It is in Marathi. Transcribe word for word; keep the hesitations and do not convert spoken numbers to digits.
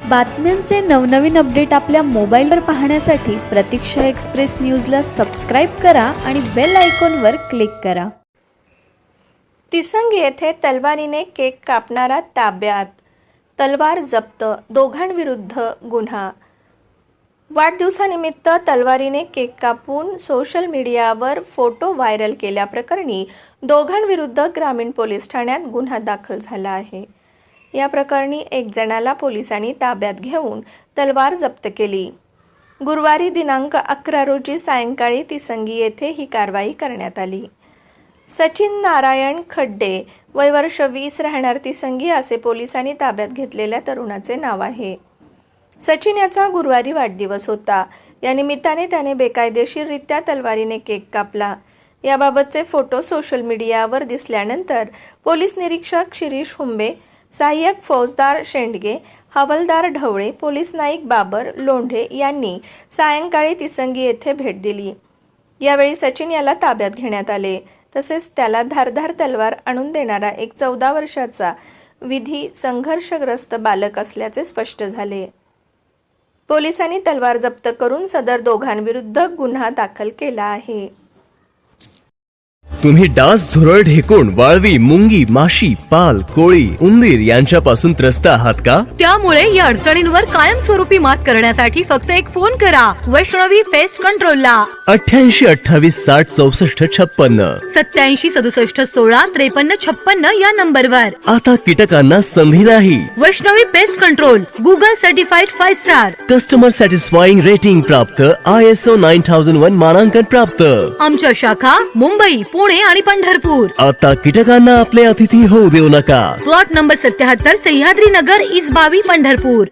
बातम्यांचे नवनवीन अपडेट आपल्या मोबाईलवर पाहण्यासाठी प्रतीक्षा एक्सप्रेस न्यूजला सबस्क्राईब करा आणि बेल आयकॉनवर क्लिक करा. तिसंगी येथे तलवारीने केक कापणारा ताब्यात, तलवार जप्त, दोघांविरुद्ध गुन्हा. वाढदिवसानिमित्त तलवारीने केक कापून सोशल मीडियावर फोटो व्हायरल केल्याप्रकरणी दोघांविरुद्ध ग्रामीण पोलीस ठाण्यात गुन्हा दाखल झाला आहे. या प्रकरणी एक जणाला पोलिसांनी ताब्यात घेऊन तलवार जप्त केली. गुरुवारी दिनांक अकरा रोजी सायंकाळी तिसंगी येथे ही कारवाई करण्यात आली. सचिन नारायण खड्डे, वय वर्ष वीस, राहणार तिसंगी असे पोलिसांनी ताब्यात घेतलेल्या तरुणाचे नाव आहे. सचिन याचा गुरुवारी वाढदिवस होता. या निमित्ताने त्याने बेकायदेशीररित्या तलवारीने केक कापला. याबाबतचे फोटो सोशल मीडियावर दिसल्यानंतर पोलीस निरीक्षक शिरीष हुंबे, सहाय्यक फौजदार शेंडगे, हवालदार ढवळे, पोलीस नाईक बाबर लोंढे यांनी सायंकाळी तिसंगी येथे भेट दिली. यावेळी सचिन याला ताब्यात घेण्यात आले. तसेच त्याला धारधार तलवार आणून देणारा एक चौदा वर्षाचा विधी संघर्षग्रस्त बालक असल्याचे स्पष्ट झाले. पोलिसांनी तलवार जप्त करून सदर दोघांविरुद्ध गुन्हा दाखल केला आहे. तुम्ही डास, झुरळ, ढेकुण, वाळवी, मुंगी, माशी, पाल, कोळी, उंदीर यांच्यापासून त्रस्त आहात का? त्यामुळे या अडचणींवर कायमस्वरूपी मात करण्यासाठी फक्त एक फोन करा वैष्णवी पेस्ट कंट्रोलला. अठ्ठ्याऐंशी अठ्ठावीस साठ चौसष्ट छप्पन्न सत्याऐंशी सदुसष्ट सोळा त्रेपन्न छप्पन्न या नंबरवर. आता कीटकांना संधी नाही. Vaishnavi pest control Google certified five star, customer satisfying rating प्राप्त, I S O nine thousand one मानांकन प्राप्त. आमच्या शाखा मुंबई, पुणे आणि पंढरपूर. आता कीटकांना आपले अतिथी होऊ देऊ नका. प्लॉट नंबर सत्याहत्तर, सह्याद्री नगर, इसबावी, पंढरपूर.